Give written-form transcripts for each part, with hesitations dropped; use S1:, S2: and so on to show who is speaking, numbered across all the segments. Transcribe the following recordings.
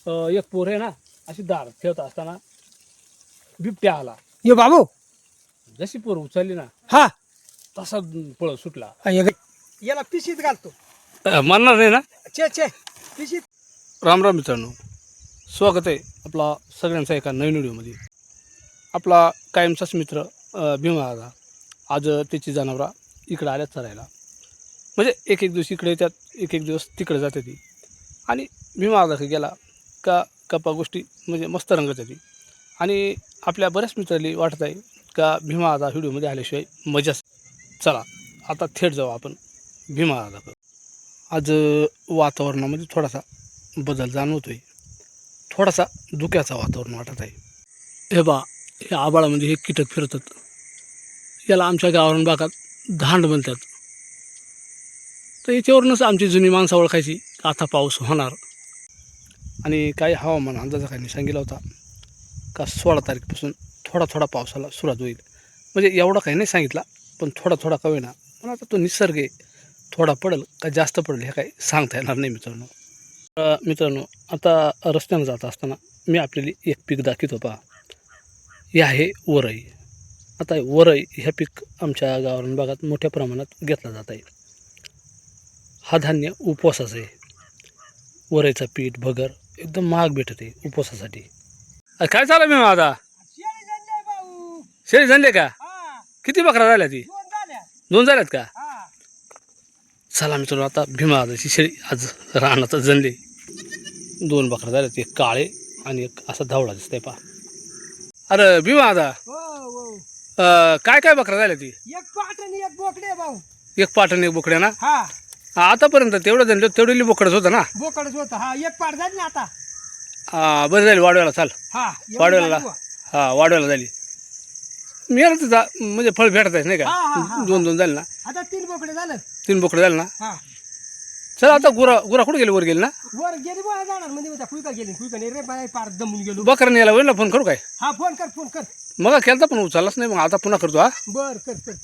S1: एक पोर आहे ना अशी दार खेळत असताना बिबट्या आला.
S2: ये बाबू
S1: जशी पोर उचलली ना
S2: हा
S1: तसा पळत सुटला.
S2: याला पिशीत घालतो.
S1: मानणार नाही ना.
S2: चे पिशीत.
S1: राम राम मित्रांनो, स्वागत आहे आपला सगळ्यांचा एका नवीन व्हिडिओमध्ये. आपला कायमचाच मित्र भीमा दादा आज त्याची जनावरा इकडं आल्यात चरायला. म्हणजे एक एक दिवस इकडे येतात, एक एक दिवस तिकडे जाते ती. आणि भीमा दादा गेला का गप्पा गोष्टी म्हणजे मस्त रंगत येते. आणि आपल्या बऱ्याच मित्रांनी वाटत आहे का भीमा दादा व्हिडिओमध्ये आल्याशिवाय मजाच. चला आता थेट जाऊ आपण भीमा दादाकडं. आज वातावरणामध्ये थोडासा बदल जाणवतोय, थोडासा धुक्याचं वातावरण वाटत आहे. हे बा, हे आबाळामध्ये हे कीटक फिरतात, याला आमच्या गावावरून भागात धांड म्हणतात. तर याच्यावरूनच आमची जुनी माणसं ओळखायची आता पाऊस होणार. आणि काही हवामान अंदाजाखाली सांगितला होता का 16 तारखेपासून थोडा थोडा पावसाला सुरुवात होईल. म्हणजे एवढा काही नाही सांगितला, पण थोडा थोडा का होईना. पण आता तो निसर्ग आहे, थोडा पडेल का जास्त पडेल हे काही सांगता येणार नाही मित्रांनो. मित्रांनो, आता रस्त्यानं जात असताना मी आपल्याला एक पीक दाखवतो पहा. हे आहे वरई. आता वरई ह्या पीक आमच्या गावावरून भागात मोठ्या प्रमाणात घेतला जात आहे. हा धान्य उपवासाचं आहे. वरईचं पीठ भगर एकदम महाग भेटत आहे उपवासासाठी. काय चालू मी आता शेळी झाले का? किती बकरा झाल्या? ती 2 झाल्यात का? चला मित्रांनो, आता भीमा दादाची शेळी आज रानात जनले. 2 बकरा झाल्यात, एक काळे आणि एक असा धावडा दिसतंय पहा. अरे भीमा दादा, काय काय बकरा झाल्या? ती
S2: एक पाट आणि एक बोकडे भाऊ.
S1: एक पाट आणि एक बोकड्या ना.
S2: हा
S1: आतापर्यंत तेवढं जनले तेवढी बोकडच होतं ना.
S2: बोकडच होता. हा एक पाट झाली ना आता.
S1: बरं झाली वाढवायला. चाल
S2: हा
S1: वाढवायला. हा वाढवायला झाली. मिळालं तिचा म्हणजे फळ भेटत आहे नाही का. 2 झाले ना.
S2: आता 3 बोकडे झालं.
S1: 3 बोकडे झाले ना.
S2: हा
S1: चल आता गुरा कुठे गेले? वर गेले ना.
S2: वर गेली बा जाणार म्हणजे कुयका गेली. कुयका नाही रे बाय, पार दमून गेलो.
S1: बकरा न्यायला होईल ना. फोन करू काय?
S2: हा फोन कर.
S1: मग केलता पण उचललाच नाही. मग आता पुन्हा करतो. हा
S2: बर कर.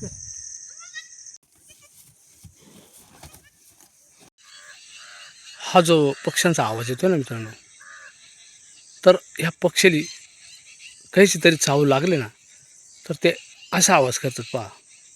S1: हा जो पक्ष्यांचा आवाज येतो ना मित्रांनो, तर ह्या पक्षीली काहीची तरी चावू लागले ना तर ते असा आवाज करतात पहा.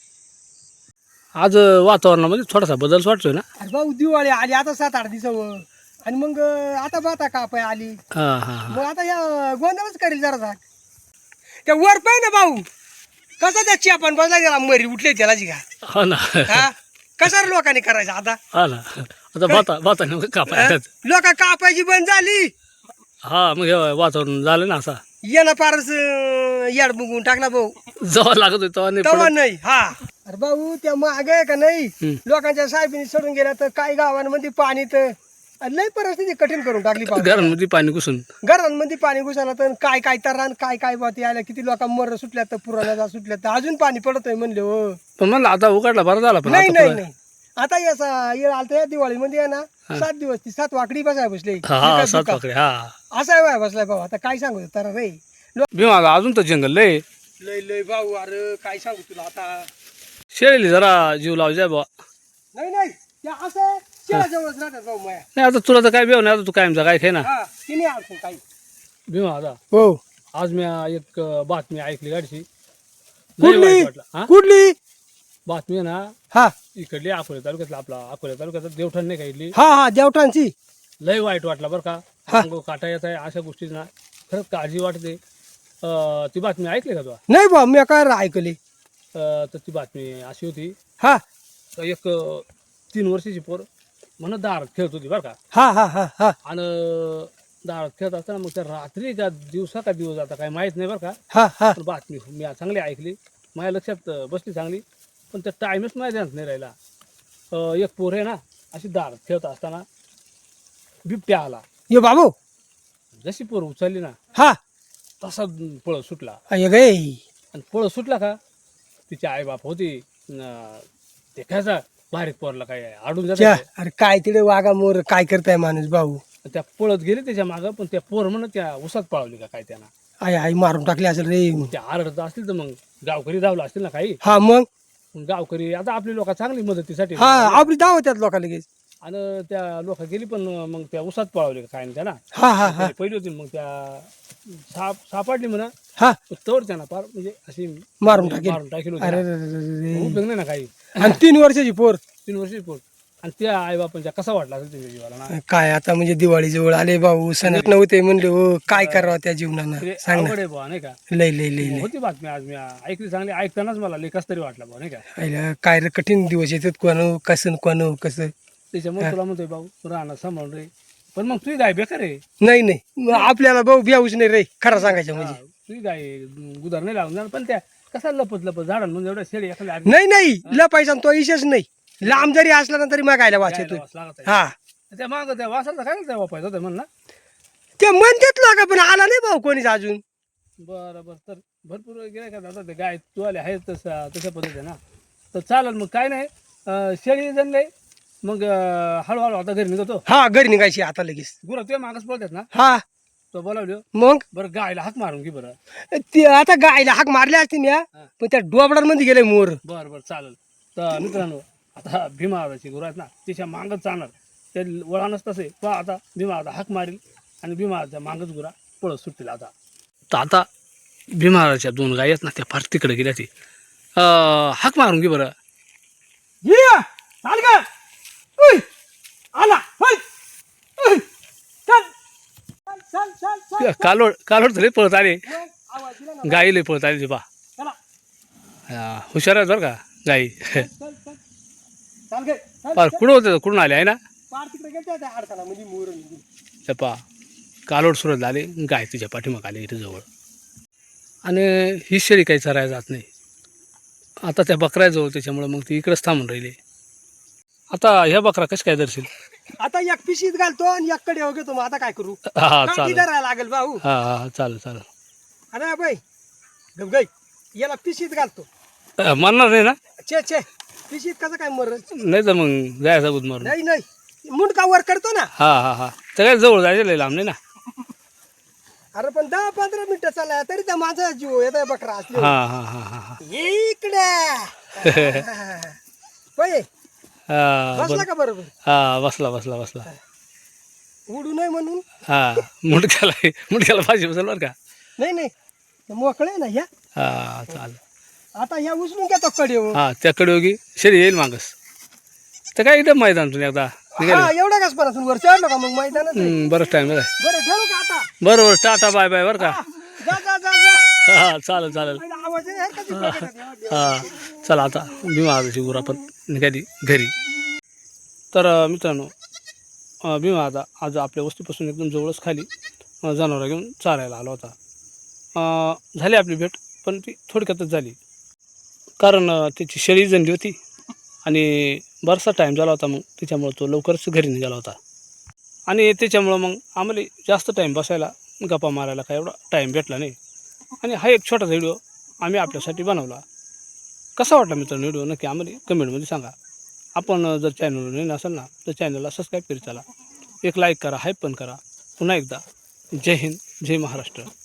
S1: आज वातावरणामध्ये थोडासा बदल वाटतोय ना.
S2: अरे भाऊ दिवाळी आली आता 7-8 दिवसावर. आणि मग आता बाता कापाय आली.
S1: हां
S2: मग आता या गोंधळच करेल जरा. त्या वर पाय ना भाऊ, कसा त्या चियापान बसला त्याला मरी उठले त्याला जी का.
S1: हा ना.
S2: हा कसा लोकांनी करायचं आता.
S1: हा ना. आता बाता नेमकं कापाय
S2: लोक कापायची बंद झाली.
S1: हा मग हे वातावरण झालं ना असं.
S2: याला फारच याड बुगून टाकला भाऊ.
S1: जवळ लागत होतो
S2: तवा नाही. हा अरे भाऊ त्या माग आहे का नाही,
S1: हम्म.
S2: लोकांच्या साहेबीने सोडून गेल्या तर काही गावांमध्ये पाणी तर लय परिस्थिती कठीण करून टाकली.
S1: घरांमध्ये पाणी घुसून
S2: घरांमध्ये पाणी घुसायला तर काय तर रान काय बाती आल्या. किती लोक मर सुटल्या तर पुराणा सुटल्या तर अजून पाणी पडतोय म्हणले. हो
S1: पण म्हणलं आता उघडला बरं झाला. पण
S2: नाही आता याचा येळ आलता या दिवाळीमध्ये आहे ना. 7 दिवस ती 7 वाकडी बसाय बसले.
S1: 7 वाकडे. हा
S2: असा आहे बसलाय भाऊ. आता काय सांगू तर रे
S1: भीमा अजून तर जंगल लय
S2: लय भाऊ. अरे काय सांगू तुला आता.
S1: शेळीली जरा जीव लाव जाय बा.
S2: नाही त्या असं शेळाजवळच राहतात भाऊ माया.
S1: नाही आता तुला तर काय बेव नाही. आता तू कायमचा काय खाय ना.
S2: हा तिने आणतो काही.
S1: भीमा दादा,
S2: हो
S1: आज मी एक बातमी ऐकली गाडीची.
S2: कुठली कुठली
S1: बातमी आहे ना.
S2: हा
S1: इकडली अकोले तालुक्यातला, आपला अकोले तालुक्याचा देवठण नाही का इथली.
S2: हा देवठांची.
S1: लय वाईट वाटला बरं का. अंग काटा येत आहे अशा गोष्टी ना. खरंच काळजी वाटते. ती बातमी ऐकली का तुला?
S2: नाही भाऊ मी काय ऐकली.
S1: तर ती बातमी अशी होती.
S2: हा
S1: एक 3 वर्षाची पोर म्हणत दारात खेळत होती बरं का.
S2: हा
S1: आणि दारात खेळत असताना मग त्या रात्री का दिवस आता काय माहीत नाही बरं का.
S2: हा
S1: पण बातमी मी चांगली ऐकली, माझ्या लक्षात बसली चांगली. पण त्या टाईमच माझ्या ध्यानात नाही राहिला. एक पोर आहे ना अशी दारात खेळत असताना बिबट्या आला.
S2: ये बाबू
S1: जशी पोर उचलली ना
S2: हा
S1: तसा पळत सुटला.
S2: गे
S1: आणि पळत सुटला का तिची आई बाप होती. ते खायचा बारीक पोरला काय आडून जात.
S2: अरे काय तिथे वागा मोर काय करताय माणूस भाऊ.
S1: त्या पळत गेले त्याच्या मागं. पण त्या पोर म्हणत त्या उसात पळवली का काय त्यांना.
S2: आई मारून टाकली असेल रे.
S1: त्या आरडत असतील तर मग गावकरी धावला असतील ना काही.
S2: हा मग
S1: गावकरी आता आपली लोक चांगली मदतीसाठी.
S2: हा आपली धाव त्यात लोकांना लगेच.
S1: आणि त्या लोक गेली पण मग त्या उसात पळवले काय ना त्यांना
S2: हा हा हा
S1: पहिली होती मग त्या सापडली म्हणा
S2: हा
S1: तोवर त्यांना फार म्हणजे अशी
S2: मारून टाकेल.
S1: टाकेल
S2: अरे
S1: होती
S2: रे रे रे रे.
S1: उपयोग नाही ना काही
S2: आणि 3 वर्षाची पोर.
S1: 3 वर्षी पोट आणि त्या आई बापांच्या कसा वाटला असेल त्या जीवाला ना
S2: काय आता म्हणजे दिवाळी जवळ आले भाऊ सणच नव्हते म्हणले हो काय करावं त्या जीवनानं
S1: ते
S2: सांग ना.
S1: अवघड आहे बुवा नाही का
S2: लय लय लय लय
S1: होती बातमी आज मी ऐकली चांगली ऐकतानाच मला लय कस तरी वाटलं बुवा नाही का
S2: आईला काय रे कठीण दिवस येतात कोण कसं कसं.
S1: त्याच्यामुळे तुला म्हणतोय भाऊ राहणं सांभाळून रे पण मग तुझी गाय बेकार आहे
S2: नाही नाही मग आपल्याला भाऊ ब्याऊच नाही रे खरं सांगायचं म्हणजे.
S1: तुझी गाय गुदार नाही लागून जाणार पण त्या कसा लपत झाडांमध्ये एवढ्या शेळी एखाद्या
S2: नाही नाही लपायचा तो इशेच नाही. लांब जरी असला ना तरी मागायला वाचतो.
S1: लागत
S2: हा
S1: त्या माग त्या वासाचा काय त्या वापायचा होता म्हण ना
S2: ते म्हणतात लागा पण आला नाही भाऊ कोणीच अजून.
S1: बरं बरं तर भरपूर गेले का दादा ते गाय तू आले आहेत तशा पद्धतीने ना तर चालेल मग काय नाही शेळी जनले मग हळूहळू आता घरी निघतो
S2: हा घरी निघायची आता लगेच.
S1: गुरं तुझ्या मागच पळतात ना
S2: हा
S1: तो बोलावली
S2: मग
S1: बरं गायला हाक मारून घे बरं
S2: ते आता गायला हाक मारल्या असते ना पण त्या डोबडांमध्ये गेले मोर.
S1: बरं बरं चालेल तर मित्रांनो आता भीमा आदाची गुरं आहेत ना तिच्या मागच जाणार ते वळानच तसे पहा आता भीमा आदा हाक मारील आणि भीमा आदाच्या मागच गुरा पळत सुटतील आता तर आता भीमा आदाच्या 2 गायी आहेत ना त्या फार तिकडे गेल्या ती हाक मारून घे बरं
S2: ये चाल का उय, आला होय. उय, चल चल चल चल
S1: कालोड तरी पळत आले
S2: मग आवाज दिला ना.
S1: गाई पळत आली बा
S2: चला
S1: हुशार आहेत बरं का गाई
S2: चल चल चाल गे चल
S1: फार कुठं होतं कुठून आले आहे ना
S2: पार तिकडे गेलते त्या अडथळा म्हणजे मोर
S1: त्या पा कालोड सुरत आले गाय तिच्या पाठीमाग आले इथे जवळ आणि ही शेळी काही चरायला जात नाही आता त्या बकऱ्याजवळ त्याच्यामुळं मग ती इकडेच थांबून राहिली आता ह्या बकरा कशा काय दर्शील
S2: आता एक पिशीत घालतो आणि एक कडे घेतो मग आता काय करू
S1: हा
S2: काठी
S1: चालेल
S2: धरायला लागेल भाऊ.
S1: हा हा चालेल चालेल
S2: अरे बाई गई याला पिशीत घालतो.
S1: म्हणणार नाही ना
S2: छे छे पिशीत कसं काय मर
S1: नाही तर मग जायचा बुध मारून
S2: नाही नाही मुंडका वर करतो ना.
S1: हा हा हा तर काय जवळ जायचं लय लांब नाही ना
S2: अरे पण 10-15 मिनिटं चालला तरी त्या माझा जीव येतोय बकरा असले.
S1: हा हा हा हा हा
S2: ये इकडे पै
S1: हा
S2: बसला
S1: बरं
S2: का बरोबर
S1: हा बसला बसला बसला
S2: उडू नये म्हणून.
S1: हा मुंडक्याला भाजी बसेल बरं का
S2: नाही नाही मोकळे ना या
S1: हा चालेल
S2: आता या उचलून घेतो कडे
S1: हा त्याकडे होगी शरी येईल मागस तर काय इथं मैदान तुम्ही एकदा
S2: हा एवढा कस पण वर चढलो का मग मैदानात
S1: बरंच टाईम आहे
S2: बरं ठेवू का आता.
S1: बरं बरं टाटा बाय बाय बरं का
S2: जा जा जा जा
S1: हा चालेल चालेल
S2: पहिला आवाज आहे का ती बघत आहे.
S1: हा चला आता भीमा आदाची गुरं आपण निघाली घरी तर मित्रांनो भीमा आदा आज आपल्या वस्तीपासून एकदम जवळच खाली जनावरं घेऊन चारायला आला होता झाली आपली भेट पण ती थोडक्यातच झाली कारण त्याची शेळी जनली होती आणि बराचसा टाईम झाला होता मग त्याच्यामुळं तो लवकरच घरी निघाला होता आणि त्याच्यामुळं मग आम्हाला जास्त टाईम बसायला गप्पा मारायला काय एवढा टाईम भेटला नाही आणि हा एक छोटासा व्हिडिओ आम्ही आपल्यासाठी बनवला कसा वाटला मित्रांनो व्हिडिओ नक्की आम्हाला कमेंटमध्ये सांगा आपण जर चॅनलवर नवीन असेल ना तर चॅनलला सबस्क्राईब करीत चला एक लाईक करा हाईप पण करा पुन्हा एकदा जय हिंद जय महाराष्ट्र.